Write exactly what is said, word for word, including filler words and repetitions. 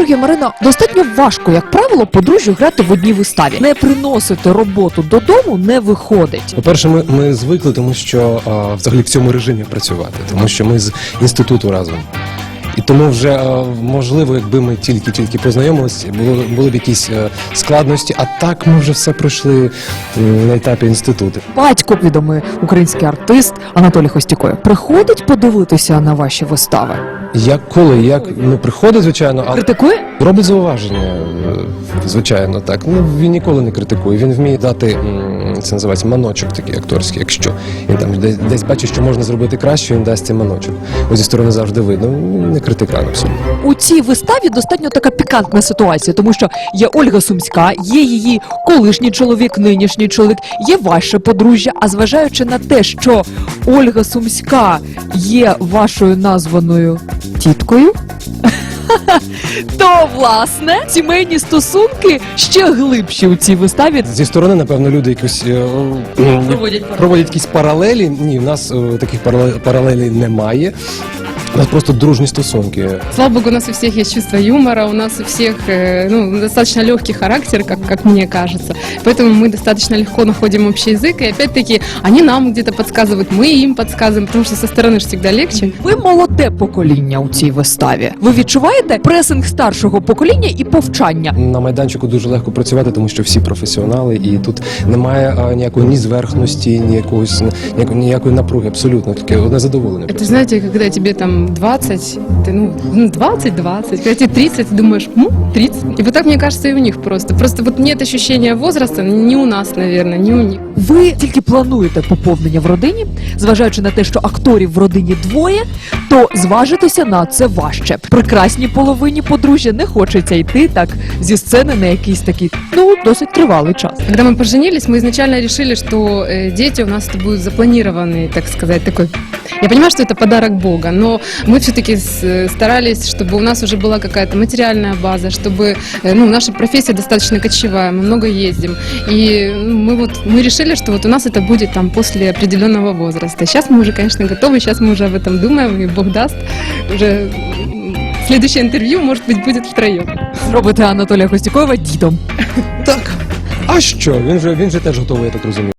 Георгій, Марина, достатньо важко, як правило, подружжю грати в одній виставі. Не приносити роботу додому не виходить. По-перше, ми, ми звикли, тому що а, взагалі в цьому режимі працювати, тому що ми з інституту разом. І тому вже, а, можливо, якби ми тільки-тільки познайомилися, було, були б якісь а, складності, а так ми вже все пройшли м, на етапі інституту. Батько, відомий український артист Анатолій Хостікой, приходить подивитися на ваші вистави. Як коли, як ну, приходить, звичайно, а Критикує? робить зауваження, е, звичайно, так. Ну, він ніколи не критикує, він вміє дати, м, це називається маночок такий акторський, якщо він там десь, десь бачить, що можна зробити краще, він дасть цей маночок. Ось зі сторони завжди видно, він не критикан абсолютно. У цій виставі достатньо така пікантна ситуація, тому що є Ольга Сумська, є її колишній чоловік, нинішній чоловік, є ваше подружжя. А зважаючи на те, що Ольга Сумська є вашою названою тіткою, то, власне, сімейні стосунки ще глибші у цій виставі. Зі сторони, напевно, люди якось е, м, Проводять проводять якісь паралелі. Ні, в нас е, таких парале- паралелей немає. У нас просто дружні стосунки. Слава богу, у нас у всех есть чувство юмора, у нас у всех э, ну, достаточно легкий характер, как, как мне кажется. Поэтому мы достаточно легко находим общий язык. И опять-таки, они нам где-то подсказывают, мы им подсказываем, потому что со стороны же всегда легче. Ви молоде покоління у цій виставі. Ви відчуваєте пресинг старшого покоління і повчання? На майданчику дуже легко працювати, тому що всі професіонали, і тут немає а, ніякої ні зверхності, ні якоїсь ніякої, ніякої напруги, абсолютно таке одне задоволення. Это, знаете, когда тебе там двадцать, ты, ну, двадцать-двадцать, когда тебе тридцать, ты думаешь, ну, тридцать. И вот так, мне кажется, и у них просто. Просто вот нет ощущения возраста, ни у нас, наверное, ни у них. Ви тільки плануєте поповнення в родині, зважаючи на те, що акторів в родині двоє, то зважитися на це важче. Прекрасній половині подружжя не хочеться йти так зі сцени на якийсь такий, ну, досить тривалий час. Когда мы поженились, мы изначально решили, что э, дети у нас это будут запланированный, так сказать, такой... Я понимаю, что это подарок Бога, но мы все-таки старались, чтобы у нас уже была какая-то материальная база, чтобы, э, ну, наша профессия достаточно кочевая, мы много ездим. И ну, мы вот мы решили, что вот у нас это будет там после определенного возраста. Сейчас мы уже, конечно, готовы, сейчас мы уже об этом думаем, и Бог даст. Уже м, следующее интервью, может быть, будет втроем. Зробите Анатолія Хостікова дідом. Так. А що? Він же він же теж готовий, я так розумію.